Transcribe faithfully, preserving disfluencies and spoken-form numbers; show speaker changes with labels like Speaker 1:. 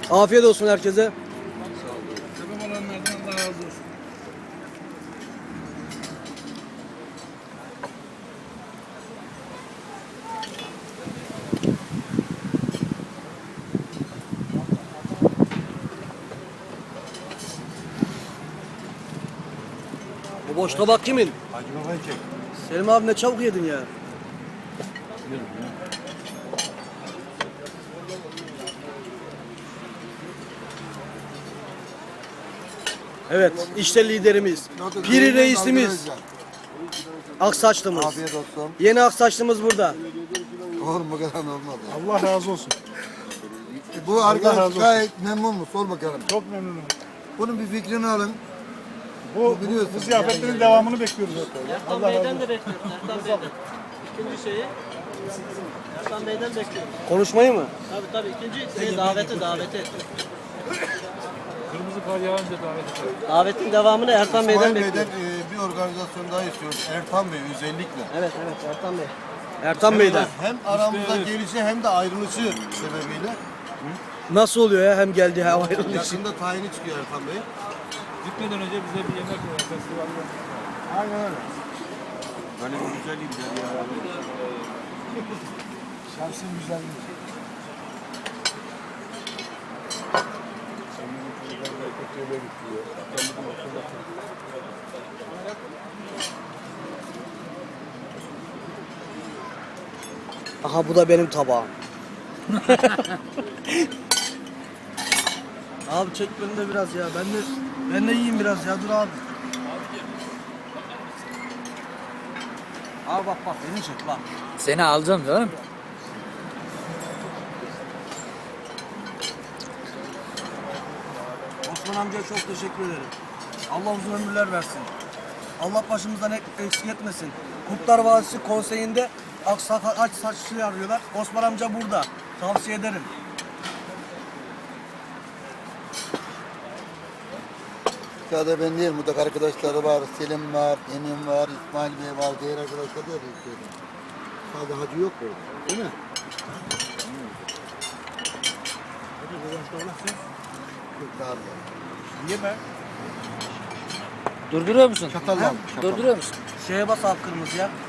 Speaker 1: Afiyet olsun herkese.
Speaker 2: Sebep olanlardan Allah razı olsun.
Speaker 1: Bu boş tabak kimin?
Speaker 2: Hacı babayı çek.
Speaker 1: Selim abi ne çabuk yedin ya. Evet, işte liderimiz. Piri reisimiz. Aksaçlımız.
Speaker 3: Afiyet olsun.
Speaker 1: Yeni Aksaçlımız burada.
Speaker 3: Oğlum bu kadar olmadı.
Speaker 2: Allah razı olsun.
Speaker 3: Bu
Speaker 2: razı
Speaker 3: arkadaş
Speaker 2: olsun.
Speaker 3: gayet memnun mu? Sor bakalım.
Speaker 2: Çok memnunum.
Speaker 3: Bunun bir fikrini alın.
Speaker 2: Bu,
Speaker 3: biliyorsun.
Speaker 2: bu ziyafetlerin devamını bekliyoruz.
Speaker 4: Ertan Bey'den de bekliyoruz. Ertan Bey'den. İkinci şeyi Ertan Bey'den bekliyoruz.
Speaker 1: Konuşmayı mı?
Speaker 4: Tabii tabii ikinci şeyi daveti daveti.
Speaker 2: Kırmızı kar yağınca davet edelim.
Speaker 4: Davetin devamını Ertan Bey'den
Speaker 3: İsmail Bey'den
Speaker 4: bekliyoruz.
Speaker 3: e, bir organizasyon daha istiyoruz. Ertan Bey özellikle.
Speaker 4: Evet evet Ertan Bey.
Speaker 1: Ertan Bey'den.
Speaker 3: Hem aramızda gelişi hem de ayrılışı sebebiyle.
Speaker 1: Nasıl oluyor ya? Hem geldi hem ayrıldı.
Speaker 3: Yakında tayini çıkıyor Ertan Bey.
Speaker 2: Gitmeden önce bize bir yemek ver. Festival var.
Speaker 3: Aynen öyle.
Speaker 2: Böyle bir güzelliği güzel ya. Şahsın güzelliği.
Speaker 1: Aha bu da benim tabağım. Abi çek beni de biraz ya. Ben de ben de yiyeyim biraz ya. Dur abi. Abi bak bak beni çek bak.
Speaker 5: Seni alacağım canım.
Speaker 1: Osman amcaya çok teşekkür ederim. Allah uzun ömürler versin. Allah başımızdan ek- eksik etmesin. Kurtlar Vadisi konseyinde Aksafa aç saçlı arıyorlar. Osman amca burada. Tavsiye ederim.
Speaker 3: Sadece ben değil, burada arkadaşları var, Selim var, Emin var, İsmail Bey var, diğer arkadaşlar da istiyorum. Sadece hacı yok burada, değil mi? Yok, daha var.
Speaker 2: Yeme.
Speaker 5: Durduruyor musun?
Speaker 3: Çatal var mı? Çatal.
Speaker 5: Durduruyor musun?
Speaker 1: Şeye bas abi kırmızıya.